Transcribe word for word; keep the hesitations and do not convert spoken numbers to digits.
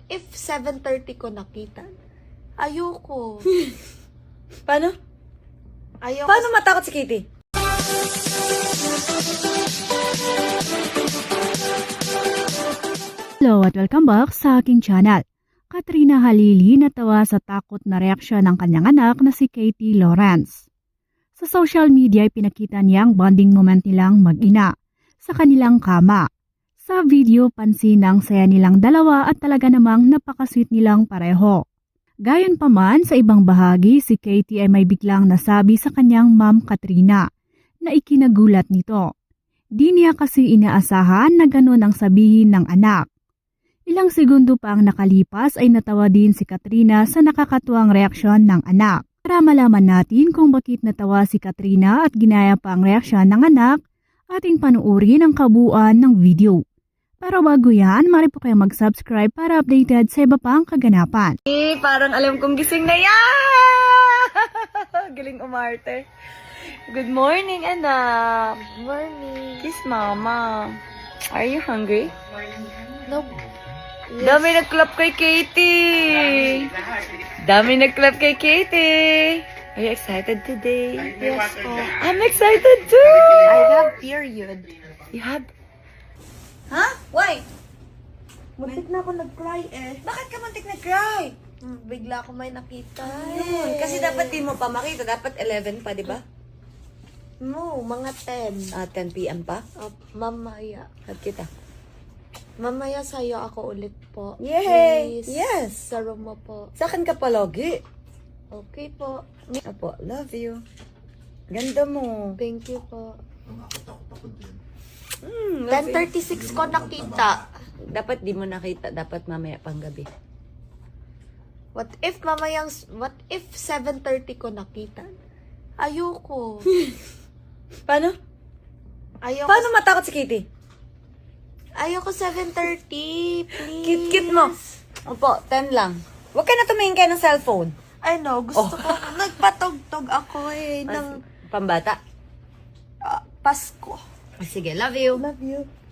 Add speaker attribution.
Speaker 1: if seven thirty ko nakita? Ayoko.
Speaker 2: Paano?
Speaker 1: Ayoko.
Speaker 2: Paano matakot si Kitty?
Speaker 3: Hello at welcome back sa aking channel. Katrina Halili natawa sa takot na reaksyon ng kanyang anak na si Katie Lawrence. Sa social media ay pinakita niyang bonding moment nilang mag-ina sa kanilang kama. Sa video, pansin ang saya nilang dalawa at talaga namang napakasweet nilang pareho. Gayon pa man, sa ibang bahagi, si Katie ay may biglang nasabi sa kanyang ma'am Katrina na ikinagulat nito. Di niya kasi inaasahan na ganun ang sabihin ng anak. Ilang segundo pa ang nakalipas ay natawa din si Katrina sa nakakatuwang reaksyon ng anak. Para malaman natin kung bakit natawa si Katrina at ginaya pa ang reaksyon ng anak, ating panuorin ang kabuuan ng video. Pero bago yan, mari po kayo mag-subscribe para updated sa iba pang kaganapan.
Speaker 2: Eh, parang alam kong gising na yan! Galing umarte. Good morning, anak.
Speaker 1: Morning.
Speaker 2: Kiss mama. Are you hungry?
Speaker 1: No.
Speaker 2: Dami nag-clap kay Katie! Dami nag-clap kay Katie! Are you excited today?
Speaker 1: Yes po.
Speaker 2: I'm excited too!
Speaker 1: I have period.
Speaker 2: You have? Huh? Why?
Speaker 1: Muntik na ako nag-cry eh.
Speaker 2: Bakit ka muntik nag-cry?
Speaker 1: Hmm, Bigla ako may nakita.
Speaker 2: Ayun, kasi dapat di mo pa makita. Dapat eleven pa, di ba?
Speaker 1: No, mga ten.
Speaker 2: Ah, ten p m pa?
Speaker 1: Uh, mamaya.
Speaker 2: At kita.
Speaker 1: Mamaya sa'yo ako ulit po.
Speaker 2: Yay!
Speaker 1: Please.
Speaker 2: Yes!
Speaker 1: Sa room mo po.
Speaker 2: Sa akin ka palagi.
Speaker 1: Okay po.
Speaker 2: Apo, love you. Ganda mo.
Speaker 1: Thank you po.
Speaker 2: Mm,
Speaker 1: ten thirty-six ko nakita.
Speaker 2: Dapat di mo nakita. Dapat mamaya pang gabi.
Speaker 1: What if mamayang, what if seven thirty ko nakita? Ayoko.
Speaker 2: Paano?
Speaker 1: Ayoko.
Speaker 2: Paano matakot si Kitty?
Speaker 1: Ayoko seven thirty, please.
Speaker 2: Kit-kit mo. Opo, ten lang. Huwag ka na tumingin kayo ng cellphone.
Speaker 1: I know, gusto
Speaker 2: Oh.
Speaker 1: ko. Nagpatugtog ako eh, ng
Speaker 2: Pambata.
Speaker 1: ah, Pasko.
Speaker 2: Sige, love you.
Speaker 1: Love you.